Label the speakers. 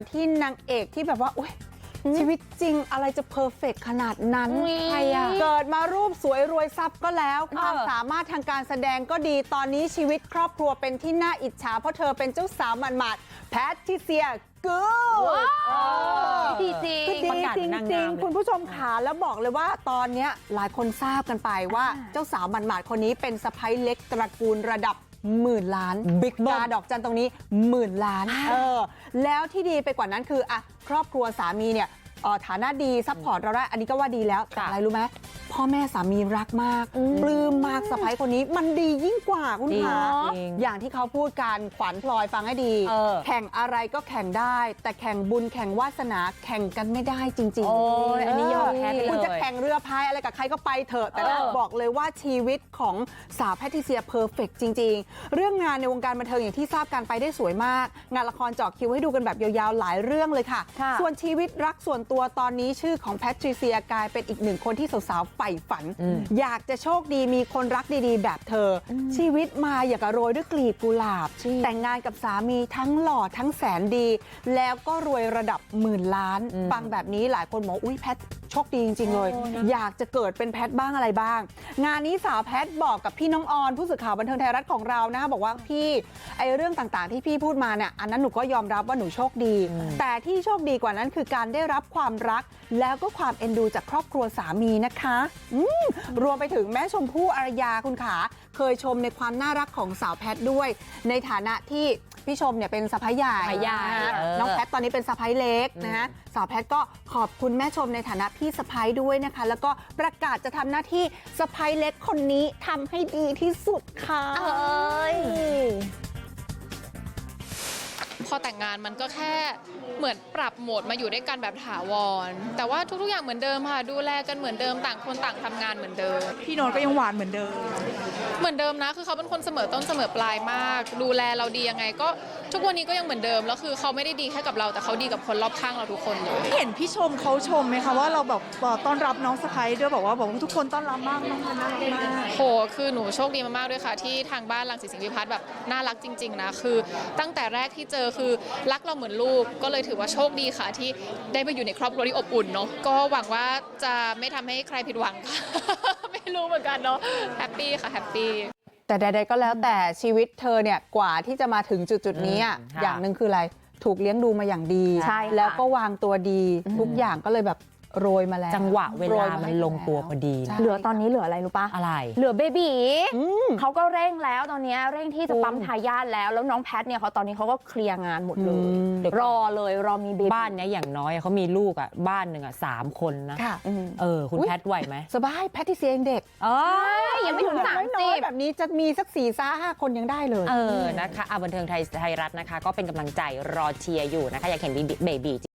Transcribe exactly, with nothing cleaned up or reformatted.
Speaker 1: ที่นางเอกที่แบบว่าอุ๊ยชีวิตจริงอะไรจะเพอร์เฟกต์ขนาดนั้นใครอะเกิดมารูปสวยรวยทรัพย์ก็แล้วความสามารถทางการแสดงก็ดีตอนนี้ชีวิตครอบครัวเป็นที่น่าอิจฉาเพราะเธอเป็นเจ้าสาวหมาดๆแพทริเซียกูด
Speaker 2: ดีจริง
Speaker 1: คือดีจริงๆคุณผู้ชมขาแล้วบอกเลยว่าตอนนี้หลายคนทราบกันไปว่าเจ้าสาวหมาดๆคนนี้เป็นสะใภ้เล็กตระกูลระดับหมื่นล้านบิ๊กกาดอกจันตรงนี้หมื่นล้านเออแล้วที่ดีไปกว่านั้นคืออะครอบครัวสามีเนี่ยฐานะดีซัพพอร์ตเราได้อันนี้ก็ว่าดีแล้วแต่อะไรรู้ไหมพ่อแม่สามีรักมากปลื้มมากสะใภ้คนนี้มันดียิ่งกว่าคุณคะอย่างที่เขาพูดกันขวัญพลอยฟังให้ดีแข่งอะไรก็แข่งได้แต่แข่งบุญแข่งวาสนาแข่งกันไม่ได้จริงๆโอ้ยอันนี้ยอมแพ้ไปเลยคุณจะแข่งเรือพายอะไรกับใครก็ไปเถอะแต่บอกเลยว่าชีวิตของสาวแพทริเซียเพอร์เฟกต์จริงๆเรื่องงานในวงการบันเทิงอย่างที่ทราบกันไปได้สวยมากงานละครเจาะคิวให้ดูกันแบบยาวๆหลายเรื่องเลยค่ะส่วนชีวิตรักส่วนตัวตอนนี้ชื่อของแพทริเซียกลายเป็นอีกหนึ่งคนที่สาวๆใฝ่ฝันอยากจะโชคดีมีคนรักดีๆแบบเธอชีวิตมาอยากโรยด้วยกลีบกุหลาบแต่งงานกับสามีทั้งหล่อทั้งแสนดีแล้วก็รวยระดับหมื่นล้านฟังแบบนี้หลายคนบอกอุ้ยแพทโชคดีจริงๆเลยอยากจะเกิดเป็นแพทบ้างอะไรบ้างงานนี้สาวแพทบอกกับพี่น้องออนผู้สื่อข่าวบันเทิงไทยรัฐของเรานะคะบอกว่าพี่ไอเรื่องต่างๆที่พี่พูดมาเนี่ยอันนั้นหนูก็ยอมรับว่าหนูโชคดีแต่ที่โชคดีกว่านั้นคือการได้รับความรักแล้วก็ความเอ็นดูจากครอบครัวสามีนะคะรวมไปถึงแม่ชมพู่อารยาคุณขาเคยชมในความน่ารักของสาวแพทด้วยในฐานะที่พี่ชมเนี่ยเป็นสะใภ้ใหญ่น้องแพทตอนนี้เป็นสะใภ้เล็กนะฮะสาวแพทก็ขอบคุณแม่ชมในฐานะพี่สะใภ้ด้วยนะคะแล้วก็ประกาศจะทำหน้าที่สะใภ้เล็กคนนี้ทำให้ดีที่สุดค่ะเอ้ย
Speaker 2: พอแต่งงานมันก็แค่เหมือนปรับโหมดมาอยู่ด้วยกันแบบถาวรแต่ว่าทุกๆอย่างเหมือนเดิมค่ะดูแลกันเหมือนเดิมต่างคนต่างทำงานเหมือนเดิม
Speaker 3: พี่โน้ตก็ยังหวานเหมือนเดิม
Speaker 2: เหมือนเดิมนะคือเขาเป็นคนเสมอต้นเสมอปลายมากดูแลเราดียังไงก็ทุกวันนี้ก็ยังเหมือนเดิมแล้วคือเขาไม่ได้ดีแค่กับเราแต่เขาดีกับคนรอบข้างเราทุกคนเลย
Speaker 3: เห็นพี่ชมเขาชมไหมคะว่าเราแบบต้อนรับน้องสะใภ้ด้วยบอกว่าบอกว่าทุกคนต้อนรับมากน้องน่ารักมาก
Speaker 2: โหคือหนูโชคดีมากๆด้วยค่ะที่ทางบ้านรังสิตสิงห์วิพัฒน์แบบน่ารักจริงๆนะคือตั้งแต่แรกที่เจอคือรักเราเหมือนลูกก็เลยถือว่าโชคดีค่ะที่ได้มาอยู่ในครอบครัวที่อบอุ่นเนาะก็หวังว่าจะไม่ทำให้ใครผิดหวังค่ะ ไม่รู้เหมือนกันเนาะแฮปปี้ค่ะแฮปปี้
Speaker 1: แต่ใดๆก็แล้วแต่ชีวิตเธอเนี่ยกว่าที่จะมาถึงจุดๆนี้อย่างหนึ่งคืออะไรถูกเลี้ยงดูมาอย่างดีแล้วก็วางตัวดีทุกอย่างก็เลยแบบโรยมาแล้ว
Speaker 4: จังหวะเวลามันลงตัวพอดี
Speaker 5: เหลือตอนนี้เหลืออะไรรู้ปะ
Speaker 4: อะไร
Speaker 5: เหลือเบบีเขาก็เร่งแล้วตอนนี้เร่งที่จะปั๊มทายาทแล้วแล้วน้องแพทเนี่ยเขาตอนนี้เขาก็เคลียร์งานหมดเลยรอเลยรอมีเบบี
Speaker 4: บ้านเนี้ยอย่างน้อยเขามีลูกอ่ะบ้านหนึ่งอ่ะสามคนนะเออคุณแพทไหวไหม
Speaker 1: สบายแพทริเซียเด็ก
Speaker 5: เออยังไม่ถึงสามสิบ
Speaker 1: แบบนี้จะมีสักสี่ซ่าห้าคนยังได้เลย
Speaker 4: เออนะคะบันเทิงไทยไทยรัฐนะคะก็เป็นกำลังใจรอเชียร์อยู่นะคะอยากเห็นเบบี